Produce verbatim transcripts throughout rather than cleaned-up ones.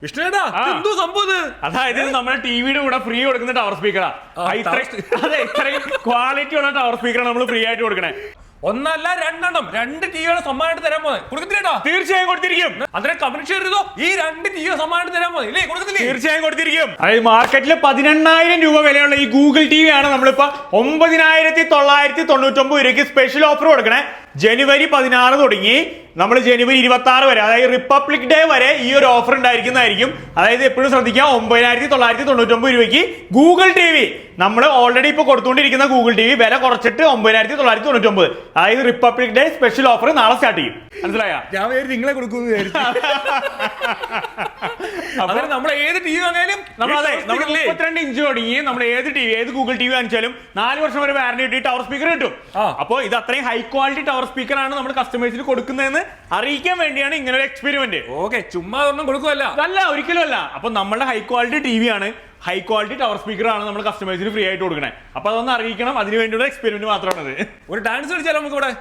വിഷ്ണുവേട്ടാ എന്തോ സംഭവം? അതായത് നമ്മുടെ ടിവിയുടെ കൂടെ ഫ്രീ കൊടുക്കുന്ന ടവർ സ്പീക്കറാ. അതെ, ഇത്രയും ക്വാളിറ്റി ഉള്ള ടവർ സ്പീക്കറാണ് നമ്മൾ ഫ്രീ ആയിട്ട് കൊടുക്കണേ. ഒന്നല്ല രണ്ടെണ്ണം, രണ്ട് ടിവിയുടെ സമ്മാനമായിട്ട് തരാൻ പോകുന്നത്. കൊടുക്കത്തില്ലേട്ടോ? തീർച്ചയായും കൊടുത്തിരിക്കും. അതിനെ കമന്റ് ഷെയർ ചെയ്തോ, ഈ രണ്ട് ടിവിയുടെ സമ്മാനമായിട്ട് തരാൻ പോകുന്നത് ഇല്ലേ? കൊടുക്കത്തില്ലേ? തീർച്ചയായും കൊടുത്തിരിക്കും. അതായത് മാർക്കറ്റിൽ പതിനെണ്ണായിരം രൂപ വിലയുള്ള ഈ ഗൂഗിൾ ടി വി ആണ് നമ്മളിപ്പോ ഒമ്പതിനായിരത്തി തൊള്ളായിരത്തി തൊണ്ണൂറ്റൊമ്പത് രൂപയ്ക്ക് സ്പെഷ്യൽ ഓഫർ കൊടുക്കണേ. ജനുവരി പതിനാറ് തുടങ്ങി നമ്മൾ ജനുവരി ഇരുപത്തി ആറ് വരെ, അതായത് റിപ്പബ്ലിക് ഡേ വരെ ഈ ഒരു ഓഫർ ഉണ്ടായിരിക്കുന്നതായിരിക്കും. അതായത് എപ്പോഴും ശ്രദ്ധിക്കാം, ഒമ്പതിനായിരത്തി തൊള്ളായിരത്തി തൊണ്ണൂറ്റൊമ്പത് രൂപയ്ക്ക് ഗൂഗിൾ ടി വി നമ്മൾ ഓൾറെഡി ഇപ്പൊ കൊടുത്തുകൊണ്ടിരിക്കുന്ന ഗൂഗിൾ ടി വി വില കുറച്ചിട്ട് ഒമ്പതിനായിരത്തി തൊള്ളായിരത്തി തൊണ്ണൂറ്റൊമ്പത്, അതായത് റിപ്പബ്ലിക് ഡേ സ്പെഷ്യൽ ഓഫർ നാളെ സ്റ്റാർട്ട് ചെയ്യും. മനസ്സിലായ? ഞാൻ നിങ്ങളെ കൊടുക്കുന്നു. നമ്മൾ ഏത് ടി വി വാങ്ങിയാലും നമ്മൾ അതെ നമ്മൾ മുപ്പത്തിരണ്ട് ഇഞ്ച് തുടങ്ങി നമ്മൾ ഏത് ടി വി ഏത് ഗൂഗിൾ ടി വി വാങ്ങിച്ചാലും നാല് വർഷം വരെ വാറന്റി കിട്ടി ടവർ സ്പീക്കർ കിട്ടും. അപ്പോൾ ഇത് അത്രയും ഹൈ ക്വാളിറ്റി ടവർ സ്പീക്കർ ആണ് നമ്മൾ കസ്റ്റമേഴ്സിന് കൊടുക്കുന്നതെന്ന് അറിയിക്കാൻ വേണ്ടിയാണ് ഇങ്ങനെ ഒരു എക്സ്പെരിമെന്റ്. ഓക്കെ, ചുമ്മാ ഒന്നും കൊടുക്കുമല്ല. അല്ല, ഒരിക്കലും അല്ല. അപ്പൊ നമ്മളുടെ ഹൈ ക്വാളിറ്റി ടി വി ആണ്, ഹൈ ക്വാളിറ്റി ടവർ സ്പീക്കർ ആണ് നമ്മൾ കസ്റ്റമേഴ്സിന് ഫ്രീ ആയിട്ട് കൊടുക്കണേ. അപ്പൊ അതൊന്ന് അറിയിക്കണം, അതിന് വേണ്ടിയുള്ള എക്സ്പെരിമെന്റ് മാത്രമാണ്. ഒരു ഡാൻസ് കളിച്ചാലോ നമുക്ക് ഇവിടെ?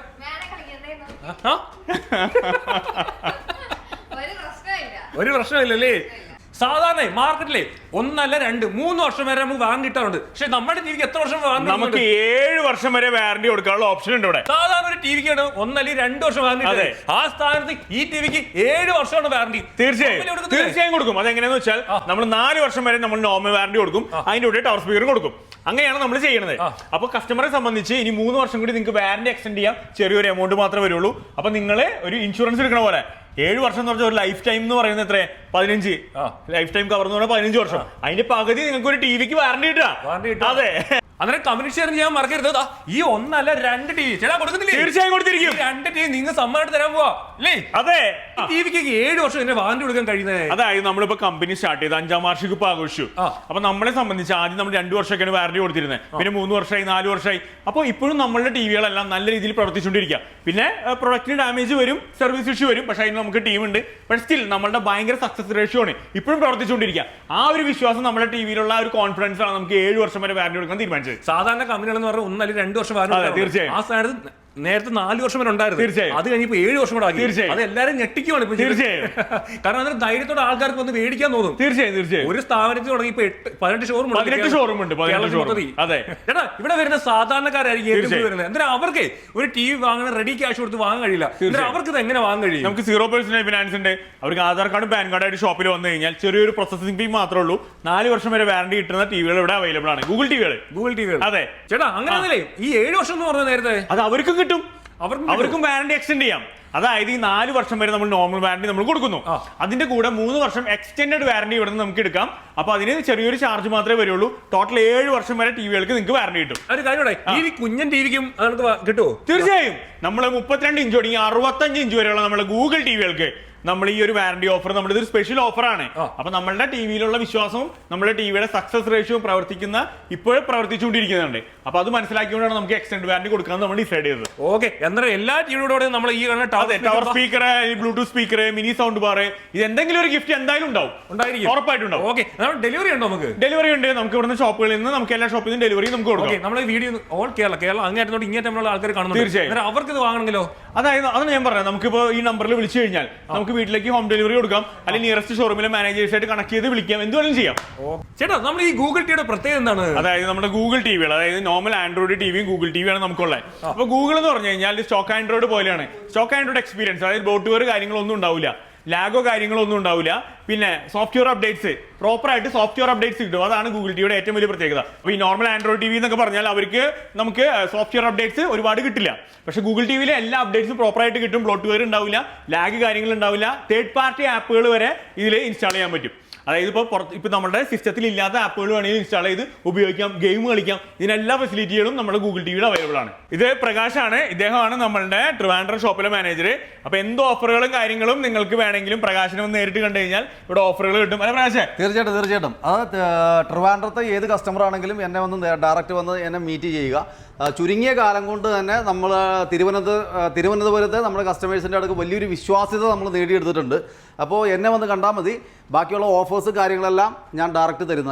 ഒരു പ്രശ്നമില്ലല്ലേ? സാധാരണ മാർക്കറ്റിലെ ഒന്നല്ല രണ്ട് മൂന്ന് വർഷം വരെ നമുക്ക് വാറന്റി കിട്ടാറുണ്ട്. പക്ഷെ നമ്മുടെ ടിവിക്ക് എത്ര വർഷം വാറന്റി? നമുക്ക് ഏഴ് വർഷം വരെ വാറന്റി കൊടുക്കാനുള്ള ഓപ്ഷൻ ഉണ്ട് ഇവിടെ. സാധാരണ ഒരു ടിവിക്കാണ് ഒന്നല്ല രണ്ട് വർഷം വാറന്റി. ആ സ്ഥാനത്ത് ഈ ടിവിക്ക് ഏഴ് വർഷമാണ് വാറന്റി. തീർച്ചയായും തീർച്ചയായും കൊടുക്കും. അതെങ്ങനെയാന്ന് വെച്ചാൽ നമ്മൾ നാല് വർഷം വരെ നമ്മൾ നോർമൽ വാറന്റി കൊടുക്കും, അതിന്റെ കൂടെ ടവർ സ്പീക്കർ കൊടുക്കും. അങ്ങനെയാണ് നമ്മൾ ചെയ്യുന്നത്. അപ്പൊ കസ്റ്റമറെ സംബന്ധിച്ച് ഇനി മൂന്ന് വർഷം കൂടി നിങ്ങൾക്ക് വാറന്റി എക്സ്റ്റെൻഡ് ചെയ്യാം. ചെറിയൊരു എമൗണ്ട് മാത്രമേ വരുള്ളൂ. അപ്പൊ നിങ്ങൾ ഒരു ഇൻഷുറൻസ് എടുക്കണ പോലെ ഏഴ് വർഷം എന്ന് പറഞ്ഞാൽ ഒരു ലൈഫ് ടൈം എന്ന് പറയുന്നത് എത്ര? പതിനഞ്ച് ലൈഫ് ടൈം കവർ എന്ന് പറഞ്ഞാൽ പതിനഞ്ച് വർഷം. അതിന്റെ പകുതി നിങ്ങൾക്ക് ഒരു ടിവിക്ക് വാറന്റി കിട്ടുക. അതെ, അതിനെ കമന്റ് ഷെയർ ചെയ്യാൻ മറക്കരുത്. ഈ ഒന്നല്ല രണ്ട് ടി വി ചേട്ടാ കൊടുക്കുന്നില്ലേ? തീർച്ചയായും കൊടുത്തിരിക്കും. രണ്ട് ടി വി നിങ്ങൾ സമ്മാനമായിട്ട് തരാൻ പോവാ അല്ലേ? അതെ, ടിവിക്ക് ഏഴ് വർഷം ഇതിന്റെ വാറന്റി കൊടുക്കാൻ കഴിയുന്നത്. അതായത് നമ്മളിപ്പോ കമ്പനി സ്റ്റാർട്ട് ചെയ്ത് അഞ്ചാം വാർഷികം ഇപ്പൊ ആഘോഷിച്ചു. അപ്പൊ നമ്മളെ സംബന്ധിച്ച് ആദ്യം നമ്മൾ രണ്ടു വർഷമൊക്കെയാണ് വാറന്റി കൊടുത്തിരുന്നത്. പിന്നെ മൂന്ന് വർഷമായി, നാല് വർഷമായി. അപ്പോൾ ഇപ്പോഴും നമ്മളുടെ ടിവികളെല്ലാം നല്ല രീതിയിൽ പ്രവർത്തിച്ചുകൊണ്ടിരിക്കുക. പിന്നെ പ്രൊഡക്റ്റിന് ഡാമേജ് വരും, സർവീസ് ഇഷ്യൂ വരും. പക്ഷേ അതിന് നമുക്ക് ടീമുണ്ട്. പക്ഷേ സ്റ്റിൽ നമ്മളുടെ ഭയങ്കര സക്സസ് റേഷ്യോ ആണ് ഇപ്പോഴും പ്രവർത്തിച്ചുകൊണ്ടിരിക്കുക. ആ ഒരു വിശ്വാസം നമ്മുടെ ടിവിയിലുള്ള ഒരു കോൺഫിഡൻസ് ആണ് നമുക്ക് ഏഴ് വർഷം വരെ വാറന്റി കൊടുക്കാൻ തീരുമാനിച്ചത്. സാധാരണ കമ്പനികൾ എന്ന് പറഞ്ഞാൽ ഒന്നല്ല രണ്ട് വർഷം വാറന്റി. തീർച്ചയായും ആ സ്ഥാനത്ത് നേരത്തെ നാല് വർഷം വരെ ഉണ്ടായിരുന്നു. തീർച്ചയായും അത് കഴിഞ്ഞപ്പോൾ ഏഴ് വർഷം കൂടെ ആക്കി. തീർച്ചയായും അത് എല്ലാവരും ഞെട്ടിക്കുവാണ് ഇപ്പൊ. തീർച്ചയായും കാരണം അതിന് ധൈര്യത്തോടെ ആൾക്കാർക്ക് വന്ന് മേടിക്കാൻ തോന്നും. തീർച്ചയായും തീർച്ചയായും ഒരു സ്ഥാപനത്തിൽ തുടങ്ങി ഇപ്പൊ എട്ട് പതിനെട്ട് ഷോറൂം പതിനെട്ട് ഷോറൂം ഉണ്ട്. അതെ ചേട്ടാ, ഇവിടെ വരുന്ന സാധാരണക്കാരായിരിക്കും ഏറ്റവും വരുന്നത്. എന്തിനാ അവർക്ക് ഒരു ടി വി വാങ്ങാൻ റെഡി ക്യാഷ് കൊടുത്ത് വാങ്ങാൻ കഴിയില്ല. അവർക്ക് ഇത് എങ്ങനെ വാങ്ങാൻ കഴിയും? നമുക്ക് സീറോ പെർസെന്റ് ഫിനാൻസ് ഉണ്ട്. അവർക്ക് ആധാർ കാർഡും പാൻ കാർഡായിട്ട് ഷോപ്പിൽ വന്നു കഴിഞ്ഞാൽ ചെറിയൊരു പ്രോസസിംഗ് ഫീ മാത്രമേ ഉള്ളൂ. നാല് വർഷം വരെ വാറന്റി കിട്ടുന്ന ടിവികൾ ഇവിടെ അവൈലബിൾ ആണ്. ഗൂഗിൾ ടിവികൾ ഗൂഗിൾ ടിവികൾ അതെ ചേട്ടാ, അങ്ങനെയാണല്ലേ? ഈ ഏഴ് വർഷം എന്ന് പറഞ്ഞ നേരത്തെ അത് അവർക്കും കിട്ടും, അവർക്കും വാറന്റി എക്സ്റ്റെൻഡ് ചെയ്യാം. അതായത് ഈ നാല് വർഷം വരെ നമ്മൾ നോർമൽ വാറന്റി നമ്മൾ കൊടുക്കുന്നു. അതിന്റെ കൂടെ മൂന്ന് വർഷം എക്സ്റ്റെൻഡഡ് വാറന്റി ഇവിടെ നിന്ന് നമുക്ക് എടുക്കാം. അപ്പൊ അതിന് ചെറിയൊരു ചാർജ് മാത്രമേ വരുള്ളൂ. ടോട്ടൽ ഏഴ് വർഷം വരെ ടിവികൾക്ക് നിങ്ങൾക്ക് വാറന്റി കിട്ടും. ഒരു കാര്യം, ഈ കുഞ്ഞൻ ടിവിക്കും കിട്ടുമോ? തീർച്ചയായും. നമ്മൾ മുപ്പത്തിരണ്ട് ഇഞ്ച് തുടങ്ങി അറുപത്തഞ്ച് ഇഞ്ച് വരെയുള്ള നമ്മുടെ ഗൂഗിൾ ടിവികൾക്ക് നമ്മൾ ഈ ഒരു വാറന്റി ഓഫർ, നമ്മുടെ ഇതൊരു സ്പെഷ്യൽ ഓഫറാണ്. അപ്പൊ നമ്മളുടെ ടിവിയിലുള്ള വിശ്വാസവും നമ്മുടെ ടിവിയുടെ സക്സസ് റേഷ്യോയും പ്രവർത്തിക്കുന്ന ഇപ്പോഴും പ്രവർത്തിച്ചുകൊണ്ടിരിക്കുന്നുണ്ട്. അപ്പൊ അത് മനസ്സിലാക്കിക്കൊണ്ടാണ് നമുക്ക് എക്സ്റ്റെൻഡ് വാറന്റി കൊടുക്കാൻ നമ്മൾ ഡിസൈഡ് ചെയ്തത്. ഓക്കെ, എന്തായാലും എല്ലാ ടിവിയോടെ നമ്മൾ ഈ tower speaker, Bluetooth speaker, mini sound bar, ഇത് എന്തെങ്കിലും ഒരു ഗിഫ്റ്റ് എന്തായാലും ഉണ്ടാവും, ഉണ്ടായിരിക്കും, ഉറപ്പായിട്ടുണ്ടാവും. ഓക്കെ, ഡെലിവറി ഉണ്ടോ? നമുക്ക് ഡെലിവറി ഉണ്ട്. നമുക്ക് ഇവിടുന്ന് ഷോപ്പുകളിൽ നിന്ന് നമുക്ക് എല്ലാ ഷോപ്പിൽ നിന്നും ഡെലിവറി നമുക്ക് കൊടുക്കാം. നമ്മുടെ വീഡിയോ ഓൾ കേരള കേരളം അങ്ങേറ്റോട്ട് ഇങ്ങേറ്റമുള്ള ആൾക്കാർ കാണുന്നു. തീർച്ചയായും അവർക്ക് ഇത് വാങ്ങണമെങ്കിലോ? അതായത് അതാണ് ഞാൻ പറഞ്ഞത്. നമുക്കിപ്പോ ഈ നമ്പറിൽ വിളിച്ചു കഴിഞ്ഞാൽ നമുക്ക് വീട്ടിലേക്ക് ഹോം ഡെലിവറി കൊടുക്കാം, അല്ലെങ്കിൽ നിയറസ്റ്റ് ഷോറൂമിലെ മാനേജേഴ്സ് ആയിട്ട് കണക്ട് ചെയ്ത് വിളിക്കാം, എന്തുവേണം ചെയ്യാം. ചേട്ടാ, നമ്മൾ ഈ ഗൂഗിൾ ടിവിയുടെ പ്രത്യേകത എന്താണ്? അതായത് നമ്മുടെ ഗൂഗിൾ ടിവികൾ, അതായത് നോർമൽ ആൻഡ്രോയിഡ് ടിവിയും ഗൂഗിൾ ടിവിയാണ് നമുക്കുള്ളത്. അപ്പൊ ഗൂഗിൾ എന്ന് പറഞ്ഞു കഴിഞ്ഞാൽ സ്റ്റോക്ക് ആൻഡ്രോയിഡ് പോലെയാണ്. സ്റ്റോക്ക് ആൻഡ്രോയിഡ് എക്സ്പീരിയൻസ്, അതായത് ബോട്ട്വെയർ കാര്യങ്ങളൊന്നും ഉണ്ടാവില്ല, ലാഗോ കാര്യങ്ങളോ ഒന്നും ഉണ്ടാവില്ല. പിന്നെ സോഫ്റ്റ്വെയർ അപ്ഡേറ്റ്സ്, പ്രോപ്പർ ആയിട്ട് സോഫ്റ്റ്വെയർ അപ്ഡേറ്റ്സ് കിട്ടും. അതാണ് ഗൂഗിൾ ടിവിയുടെ ഏറ്റവും വലിയ പ്രത്യേകത. അപ്പോൾ ഈ നോർമൽ ആൻഡ്രോയിഡ് ടിവി എന്നൊക്കെ പറഞ്ഞാൽ അവർക്ക് നമുക്ക് സോഫ്റ്റ്വെയർ അപ്ഡേറ്റ്സ് ഒരുപാട് കിട്ടില്ല. പക്ഷേ ഗൂഗിൾ ടിവിയിലെ എല്ലാ അപ്ഡേറ്റ്സും പ്രോപ്പർ ആയിട്ട് കിട്ടും. ബ്ലോട്ട്വെയർ ഉണ്ടാവില്ല, ലാഗ് കാര്യങ്ങൾ ഉണ്ടാവില്ല. തേർഡ് പാർട്ടി ആപ്പുകൾ വരെ ഇതിൽ ഇൻസ്റ്റാൾ ചെയ്യാൻ പറ്റും. അതായത് ഇപ്പോൾ പുറത്ത് ഇപ്പോൾ നമ്മുടെ സിസ്റ്റത്തിൽ ഇല്ലാത്ത ആപ്പുകൾ വേണമെങ്കിൽ ഇൻസ്റ്റാൾ ചെയ്ത് ഉപയോഗിക്കാം, ഗെയിം കളിക്കാം. ഇതിനെല്ലാ ഫെസിലിറ്റികളും നമ്മുടെ ഗൂഗിൾ ടിവിയിൽ അവൈലബിൾ ആണ്. ഇത് പ്രകാശാണ്, ഇദ്ദേഹമാണ് നമ്മളുടെ ട്രിവാൻഡ്രം ഷോപ്പിലെ മാനേജർ. അപ്പോൾ എന്ത് ഓഫറുകളും കാര്യങ്ങളും നിങ്ങൾക്ക് വേണമെങ്കിലും പ്രകാശിനെ ഒന്ന് നേരിട്ട് കണ്ടു കഴിഞ്ഞാൽ ഇവിടെ ഓഫറുകൾ കിട്ടും. അല്ലെ പ്രകാശ്? തീർച്ചയായിട്ടും തീർച്ചയായിട്ടും. അത് ട്രിവാൻഡ്രത്തെ ഏത് കസ്റ്റമർ ആണെങ്കിലും എന്നെ വന്ന് ഡയറക്റ്റ് വന്ന് എന്നെ മീറ്റ് ചെയ്യുക. ചുരുങ്ങിയ കാലം കൊണ്ട് തന്നെ നമ്മൾ തിരുവനന്തപുരം തിരുവനന്തപുരത്തെ നമ്മുടെ കസ്റ്റമേഴ്സിൻ്റെ അടുത്ത് വലിയൊരു വിശ്വാസ്യത നമ്മൾ നേടിയെടുത്തിട്ടുണ്ട്. അപ്പോൾ എന്നെ വന്ന് കണ്ടാൽ മതി. ബാക്കിയുള്ള ഓഫേഴ്സ് കാര്യങ്ങളെല്ലാം ഞാൻ ഡയറക്റ്റ് തരുന്നതായിരിക്കും.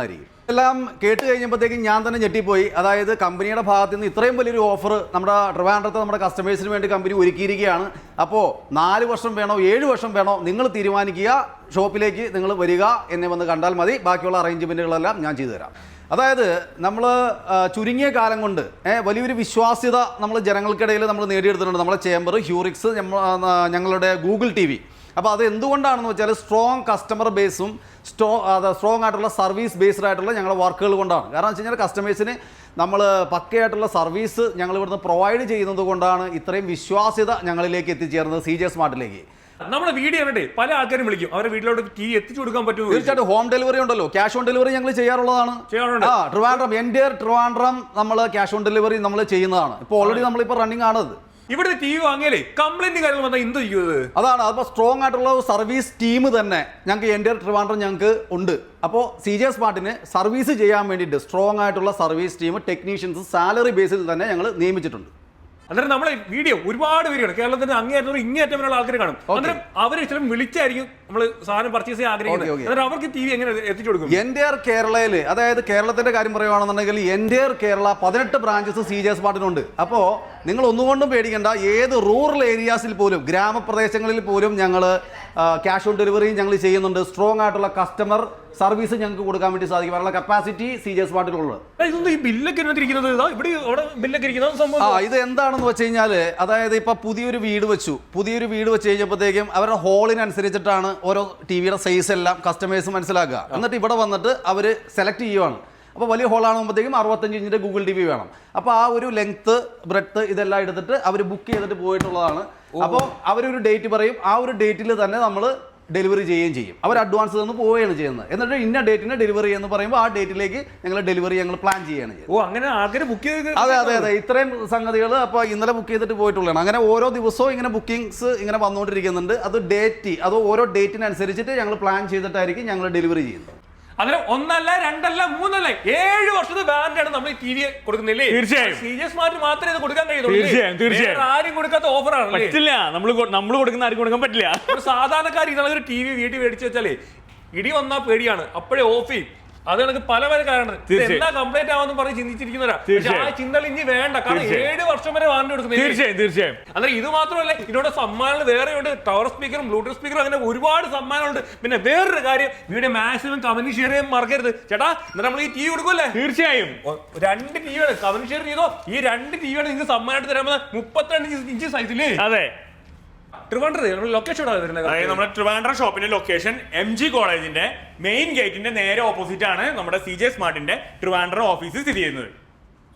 എല്ലാം കേട്ട് കഴിഞ്ഞപ്പോഴത്തേക്കും ഞാൻ തന്നെ ഞെട്ടിപ്പോയി. അതായത് കമ്പനിയുടെ ഭാഗത്ത് നിന്ന് ഇത്രയും വലിയൊരു ഓഫർ നമ്മുടെ ട്രിവാൻഡ്രത്തെ നമ്മുടെ കസ്റ്റമേഴ്സിന് വേണ്ടി കമ്പനി ഒരുക്കിയിരിക്കുകയാണ്. അപ്പോൾ നാല് വർഷം വേണോ ഏഴ് വർഷം വേണോ നിങ്ങൾ തീരുമാനിക്കുക, ഷോപ്പിലേക്ക് നിങ്ങൾ വരിക, എന്നെ വന്ന് കണ്ടാൽ മതി, ബാക്കിയുള്ള അറേഞ്ച്മെൻറ്റുകളെല്ലാം ഞാൻ ചെയ്തു തരാം. അതായത് നമ്മൾ ചുരുങ്ങിയ കാലം കൊണ്ട് വലിയൊരു വിശ്വാസ്യത നമ്മൾ ജനങ്ങൾക്കിടയിൽ നമ്മൾ നേടിയെടുത്തിട്ടുണ്ട്. നമ്മുടെ ചേംബർ, ഹ്യൂറിക്സ്, ഞങ്ങളുടെ ഗൂഗിൾ ടി വി. അപ്പോൾ അത് എന്തുകൊണ്ടാണെന്ന് വെച്ചാൽ സ്ട്രോങ് കസ്റ്റമർ ബേസും സ്ട്രോ അത് സ്ട്രോങ് ആയിട്ടുള്ള സർവീസ് ബേസ്ഡ് ആയിട്ടുള്ള ഞങ്ങളുടെ വർക്കുകൾ കൊണ്ടാണ്. കാരണം വെച്ച് കഴിഞ്ഞാൽ കസ്റ്റമേഴ്സിന് നമ്മൾ പക്കയായിട്ടുള്ള സർവീസ് ഞങ്ങൾ ഇവിടുന്ന് പ്രൊവൈഡ് ചെയ്യുന്നത് കൊണ്ടാണ് ഇത്രയും വിശ്വാസ്യത ഞങ്ങളിലേക്ക് എത്തിച്ചേർന്നത്, സി ജെ സ്മാർട്ടിലേക്ക്. നമ്മുടെ വീഡിയോ കണ്ടേ പല ആൾക്കാരും വിളിക്കും, അവരുടെ വീട്ടിലോട്ട് ടീ എത്തിച്ചു കൊടുക്കാൻ പറ്റുമോ? തീർച്ചയായിട്ടും ഹോം ഡെലിവറി ഉണ്ടല്ലോ, ക്യാഷ് ഓൺ ഡെലിവറി ഞങ്ങൾ ചെയ്യാറുള്ളതാണ്. ആ ട്രിവാൻഡ്രം എൻ്റെ ട്രിവാൻഡ്രം നമ്മൾ ക്യാഷ് ഓൺ ഡെലിവറി നമ്മൾ ചെയ്യുന്നതാണ്. ഇപ്പോൾ ഓൾറെഡി നമ്മളിപ്പോൾ റണ്ണിങ് ആണത്. ഇവിടെ ടി വി വാങ്ങിയാലേ കംപ്ലൈന്റ് കാര്യങ്ങൾ വന്നാൽ എന്ത് ചെയ്യുന്നത്? അതാണ് അപ്പോൾ സ്ട്രോങ് ആയിട്ടുള്ള സർവീസ് ടീം തന്നെ ഞങ്ങൾക്ക് എൻ്റെ ട്രിവാൻഡ്രം ഞങ്ങൾക്ക് ഉണ്ട്. അപ്പോൾ സി ജെ സ്മാർട്ടിന് സർവീസ് ചെയ്യാൻ വേണ്ടിയിട്ട് സ്ട്രോങ് ആയിട്ടുള്ള സർവീസ് ടീം, ടെക്നീഷ്യൻസ് സാലറി ബേസിൽ തന്നെ ഞങ്ങൾ നിയമിച്ചിട്ടുണ്ട്. അന്നേരം നമ്മളെ വീഡിയോ ഒരുപാട് പേരുണ്ട്, കേരളത്തിന്റെ അങ്ങേയറ്റം ഇങ്ങേയറ്റം വരെയുള്ള ആൾക്കാർ കാണും. അന്നേരം അവർ ചിലപ്പോൾ വിളിച്ചായിരിക്കും നമ്മൾ സാധനം പർച്ചേസ് ചെയ്യാൻ ആഗ്രഹിക്കുന്നത്. അന്നേരം അവർക്ക് ടി വി എങ്ങനെ എത്തിച്ചു കൊടുക്കും? എൻറ്റയർ കേരളയിൽ, അതായത് കേരളത്തിന്റെ കാര്യം പറയുകയാണെന്നുണ്ടെങ്കിൽ എൻറ്റയർ കേരള പതിനെട്ട് ബ്രാഞ്ചസ് സി ജെ സ്മാർട്ടിനുണ്ട്. അപ്പോൾ നിങ്ങൾ ഒന്നുകൊണ്ടും പേടിക്കേണ്ട, ഏത് റൂറൽ ഏരിയാസിൽ പോലും ഗ്രാമപ്രദേശങ്ങളിൽ പോലും ഞങ്ങൾ ക്യാഷ് ഓൺ ഡെലിവറിയും ഞങ്ങൾ ചെയ്യുന്നുണ്ട്. സ്ട്രോങ് ആയിട്ടുള്ള കസ്റ്റമർ സർവീസ് ഞങ്ങൾക്ക് കൊടുക്കാൻ വേണ്ടി സാധിക്കും. അതിനുള്ള കപ്പാസിറ്റി സി ജെ സ്മാർട്ടിലുള്ളത്. ഇതൊന്നും ഈ ബില്ലൊക്കെ ഇരിക്കുന്നത് ഇവിടെ ഇവിടെ ബില്ലൊക്കെ ഇരിക്കുന്നത് സംഭവം. ആ ഇത് എന്താണെന്ന് വെച്ച് കഴിഞ്ഞാൽ, അതായത് ഇപ്പൊ പുതിയൊരു വീട് വെച്ചു പുതിയൊരു വീട് വെച്ച് കഴിഞ്ഞപ്പോഴത്തേക്കും അവരുടെ ഹോളിനനുസരിച്ചിട്ടാണ് ഓരോ ടി വിയുടെ സൈസ് എല്ലാം കസ്റ്റമേഴ്സ് മനസ്സിലാക്കുക. എന്നിട്ട് ഇവിടെ വന്നിട്ട് അവർ സെലക്ട് ചെയ്യുവാണ്. അപ്പോൾ വലിയ ഹോളാകുമ്പോഴത്തേക്കും അറുപത്തഞ്ച് ഇഞ്ചിന്റെ ഗൂഗിൾ ടി വി വേണം. അപ്പോൾ ആ ഒരു ലെങ്ത്ത്, ബ്രെഡ്ത്ത് ഇതെല്ലാം എടുത്തിട്ട് അവർ ബുക്ക് ചെയ്തിട്ട് പോയിട്ടുള്ളതാണ്. അപ്പോൾ അവരൊരു ഡേറ്റ് പറയും, ആ ഒരു ഡേറ്റിൽ തന്നെ നമ്മൾ ഡെലിവറി ചെയ്യുകയും ചെയ്യും. അവർ അഡ്വാൻസ് തന്ന് പോവുകയാണ് ചെയ്യുന്നത്. എന്നിട്ട് ഇന്ന ഡേറ്റിന് ഡെലിവറി എന്ന് പറയുമ്പോൾ ആ ഡേറ്റിലേക്ക് ഞങ്ങൾ ഡെലിവറി ഞങ്ങൾ പ്ലാൻ ചെയ്യുകയാണ് ചെയ്യുന്നത്. ഓ അങ്ങനെ ആൾക്കാർ ബുക്ക് ചെയ്ത്? അതെ അതെ അതെ ഇത്രയും സംഗതികൾ അപ്പോൾ ഇന്നലെ ബുക്ക് ചെയ്തിട്ട് പോയിട്ടുള്ളതാണ്. അങ്ങനെ ഓരോ ദിവസവും ഇങ്ങനെ ബുക്കിംഗ്സ് ഇങ്ങനെ വന്നുകൊണ്ടിരിക്കുന്നുണ്ട്. അത് ഡേറ്റ്, അത് ഓരോ ഡേറ്റിനനുസരിച്ചിട്ട് ഞങ്ങൾ പ്ലാൻ ചെയ്തിട്ടായിരിക്കും ഞങ്ങൾ ഡെലിവറി ചെയ്യുന്നത്. അങ്ങനെ ഒന്നല്ല രണ്ടല്ല മൂന്നല്ല ഏഴ് വർഷത്തെ വാറന്റിയാണ് നമ്മൾ ടി വി കൊടുക്കുന്നില്ലേ? തീർച്ചയായും സി ജെ സ്മാർട്ട് മാത്രമേ ഇത് കൊടുക്കാൻ തീർച്ചയായും തീർച്ചയായും ആരും കൊടുക്കാത്ത ഓഫറാണ്. പറ്റില്ല, നമ്മൾ നമ്മൾ കൊടുക്കുന്ന ആരും കൊടുക്കാൻ പറ്റില്ല. ഒരു സാധാരണക്കാർ ഇതാണ് ഒരു ടി വി വീട്ടിൽ മേടിച്ചു വെച്ചാലേ ഇടി വന്നാൽ പേടിയാണ്, അപ്പോഴേ ഓഫ് ചെയ്യും. അത് കണക്ക് പല പല കാരണം എല്ലാ കംപ്ലൈന്റ് ആവാന്ന് പറഞ്ഞ് ചിന്തിച്ചിരിക്കുന്നവരാ. ആ ചിന്തകൾ ഇനി വേണ്ട, കാരണം ഏഴ് വർഷം വരെ വാറന്റി കൊടുക്കുന്നത്. തീർച്ചയായും തീർച്ചയായും അന്നേരം ഇത് മാത്രമല്ല, ഇതിനോട് സമ്മാനങ്ങൾ വേറെയുണ്ട്. ടവർ സ്പീക്കറും ബ്ലൂടൂത്ത് സ്പീക്കറും അങ്ങനെ ഒരുപാട് സമ്മാനമുണ്ട്. പിന്നെ വേറൊരു കാര്യം, വീഡിയോ മാക്സിമം കമന്റ് ഷെയർ ചെയ്യാൻ മറക്കരുത് ചേട്ടാ. എന്നിട്ട് നമ്മൾ ഈ ടി വി കൊടുക്കുമല്ലേ? തീർച്ചയായും രണ്ട് ടി വിയാണ് കമന്റ് ഷെയർ ചെയ്തോ. ഈ രണ്ട് ടി വിയാണ് നിങ്ങൾക്ക് സമ്മാനമായിട്ട് തരാമെന്ന് മുപ്പത്തിരണ്ട് ഇഞ്ച് സൈസില്ലേ? അതെ. ട്രിവാൻഡ്രം ലൊക്കേഷൻ നമ്മുടെ ട്രിവാൻഡ്രം ഷോപ്പിന്റെ ലൊക്കേഷൻ എം ജി കോളേജിന്റെ മെയിൻ ഗേറ്റിന്റെ നേരെ ഓപ്പോസിറ്റ് ആണ് നമ്മുടെ സി ജെ സ്മാർട്ടിന്റെ ട്രിവാൻഡ്രം ഓഫീസ് സ്ഥിതി ചെയ്യുന്നത്.